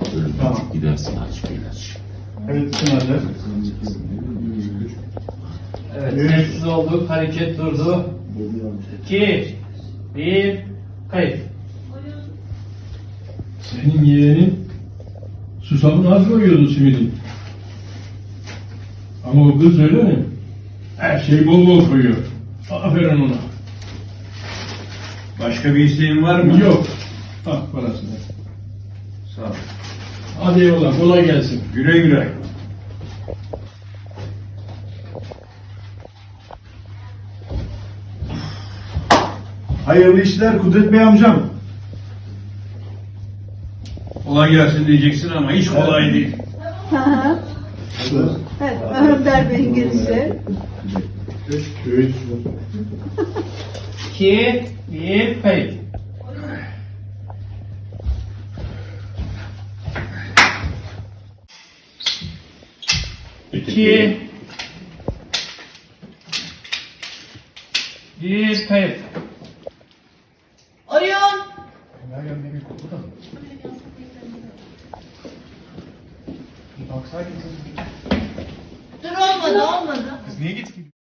Böyle Tamam. gidersin aç bir ilaç. Evet, kim hazır? Evet, Üç. sessiz olduk, hareket durdu. 2, 1, kayıt. Senin yeğenin susamını az koyuyordu simidin. Ama o kız öyle mi? Her şeyi bol bol koyuyor. Aferin ona. Başka bir isteğin var mı? Yok. Al parasını. Sağ ol. Hadi eyvallah, kolay gelsin. Güle güle. Hayırlı işler Kudret Bey amcam. Kolay gelsin diyeceksin ama hiç kolay değil. Evet, Önder Bey'in girişi. 3. 2, 1, kayıt. İki, bir, kayıt. Oyun. Dur olmadı. Kız niye git